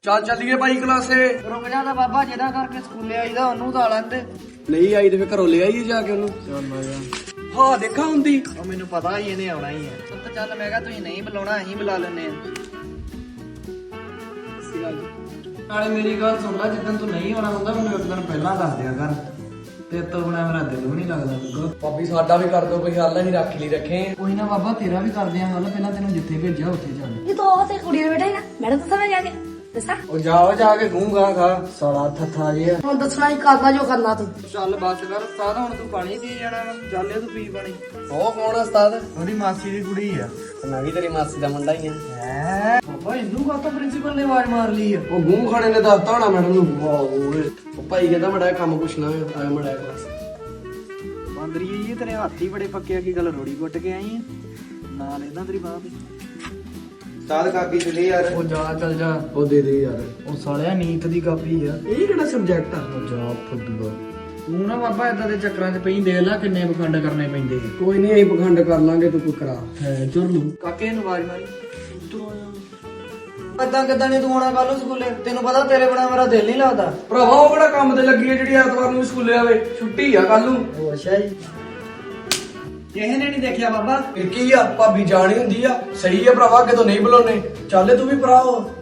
ਚੱਲ ਚੱਲੀਏ ਭਾਈ ਕਲਾਸੇ। ਰੁਕ ਜਾਂਦਾ ਬਾਬਾ, ਜਿਹਦਾ ਕਰਕੇ ਸਕੂਲੇ ਆਈਦਾ ਉਹਨੂੰ ਤਾਂ ਲੈਂਦੇ। ਨਹੀਂ ਆਈ ਤੇ ਫੇਰ ਘਰੋਂ ਲੈ ਆਈਏ ਜਾ ਕੇ ਉਹਨੂੰ। ਹਾਂ ਦੇਖਾ ਹੁੰਦੀ। ਉਹ ਮੈਨੂੰ ਪਤਾ ਹੀ ਇਹਨੇ ਆਉਣਾ ਹੀ ਹੈ। ਤਾਂ ਚੱਲ ਮੈਂ ਕਿਹਾ ਤੁਸੀਂ ਨਹੀਂ ਬੁਲਾਉਣਾ, ਅਸੀਂ ਬੁਲਾ ਲੈਨੇ ਆ। ਨਾਲੇ ਮੇਰੀ ਗੱਲ ਸੁਣ ਲੈ, ਜਿੱਦਣ ਤੂੰ ਨਹੀਂ ਆਉਣਾ ਹੁੰਦਾ ਮੈਨੂੰ ਇੱਕ ਦਿਨ ਪਹਿਲਾਂ ਦੱਸ ਦਿਆ ਕਰ। ਤੇ ਤੋਂ ਬਿਨਾਂ ਮੇਰਾ ਦਿਲ ਵੀ ਨਹੀਂ ਲੱਗਦਾ ਲੱਗਾ। ਭਾਬੀ ਸਾਡਾ ਵੀ ਕਰ ਦੋ ਕੋਈ ਹੱਲ, ਅਸੀਂ ਰੱਖ ਲਈ ਰੱਖੇ। ਕੋਈ ਨਾ ਬਾਬਾ, ਤੇਰਾ ਵੀ ਕਰਦੇ ਆ ਹੱਲ। ਪਹਿਲਾਂ ਤੈਨੂੰ ਜਿੱਥੇ ਭੇਜਿਆ ਉੱਥੇ ਚੱਲ। ये तो और से कुड़ी में बैठा है ना, मैडम तो समझ आ गया दसा। ਉਹ ਜਾਓ ਜਾ ਕੇ ਗੂੰਗਾ ਖਾ ਸਾਲਾ ਥੱਥਾ ਜਿਹਾ। हम दसना ही करना जो करना तू। ਚੱਲ ਬਸ ਕਰ ਉਸਤਾਦ, ਹੁਣ ਤੂੰ ਪਾਣੀ ਪੀ ਜਾਣਾ ਵਾ। ਚੱਲ ਇਹ ਤੂੰ ਪੀ ਪਾਣੀ। ਉਹ ਕੌਣ ਆ ਉਸਤਾਦ? ਉਹਦੀ ਮਾਸੀ ਦੀ ਕੁੜੀ ਆ। ਮੈਂ ਵੀ ਤੇਰੀ ਮਾਸੀ ਦਾ ਮੁੰਡਾ ਹੀ ਆ। ਹੈ ਬਾਬਾ, ਇਹਨੂੰ ਕਾਹਤੋਂ ਪ੍ਰਿੰਸੀਪਲ ਨੇ ਆਵਾਜ਼ ਮਾਰ ਲਈ ਆ? ਉਹ ਮੂੰਹ ਖਾਣੇ ਨੇ ਦੱਸਤਾ ਹੋਣਾ ਮੈਡਮ ਨੂੰ। ਵਾਹ ਓਏ, ਉਹ ਭਾਈ ਕਹਿੰਦਾ ਮੜਾ ਕੰਮ ਪੁੱਛਣਾ ਆ ਮੜਾ ਕਲਾਸ। ਬਾਂਦਰੀ ਜੀ ਤੇਰੇ ਹੱਥ ਹੀ ਬੜੇ ਪੱਕੇ ਆ, ਕੀ ਗੱਲ ਰੋੜੀ ਕੁੱਟ ਕੇ ਆਈ ਆ? ਨਾਲ ਇਹਨਾਂ ਤੇਰੀ ਬਾਹ ਦੀ। ਉਸਤਾਦ ਕਾਪੀ ਤੇ ਲੈ ਯਾਰ। ਉਹ ਜਾ ਚੱਲ ਜਾ। ਉਹ ਦੇ ਦੇ ਯਾਰ। ਉਹ ਸਾਲਿਆ ਨੀਤ ਦੀ ਕਾਪੀ ਆ। ਇਹ ਕਿਹੜਾ ਸਬਜੈਕਟ ਆ? ਉਹ ਜਾ ਫੁੱਦੂਆ। ਤੂੰ ਨਾ ਬਾਬਾ ਏਦਾਂ ਦੇ ਚੱਕਰਾਂ 'ਚ ਪਈ, ਦੇਖ ਲੈ ਕਿੰਨੇ ਪਖੰਡ ਕਰਨੇ ਪੈਂਦੇ ਆ। ਕੋਈ ਨਹੀਂ ਅਸੀਂ ਪਖੰਡ ਕਰ ਲਾਂਗੇ, ਤੂੰ ਕੋਈ ਕਰਾ। ਹੈ ਚੁਰਲੂ ਕਾਕੇ ਨੂੰ ਆਵਾਜ਼ ਮਾਰੀ। ਏਦਾਂ ਕਿੱਦਾਂ ਨਹੀਂ ਤੂੰ ਆਉਣਾ ਕੱਲ ਨੂੰ ਸਕੂਲੇ? ਤੈਨੂੰ ਪਤਾ ਤੇਰੇ ਬਿਨਾ ਮੇਰਾ ਦਿਲ ਨਹੀਂ ਲੱਗਦਾ। ਭਰਾਵਾ ਉਹ ਕਿਹੜਾ ਕੰਮ ਤੇ ਲੱਗੀ ਹੈ ਜਿਹੜੀ ਐਤਵਾਰ ਨੂੰ ਸਕੂਲੇ ਆਵੇ? ਛੁੱਟੀ ਆ ਕੱਲ ਨੂੰ। ਉਹ ਅੱਛਾ ਜੀ। ਕਿਸੇ ਨੇ ਨਹੀਂ ਦੇਖਿਆ ਬਾਬਾ। ਫਿਰ ਕੀ ਆ, ਭਾਬੀ ਜਾਣੀ ਹੁੰਦੀ ਆ। ਸਹੀ ਆ ਭਰਾਵਾ, ਅੱਗੇ ਤੋਂ ਨਹੀਂ ਬੁਲਾਉਣੇ। ਚੱਲ ਤੂੰ ਵੀ ਭਰਾ ਹੋ।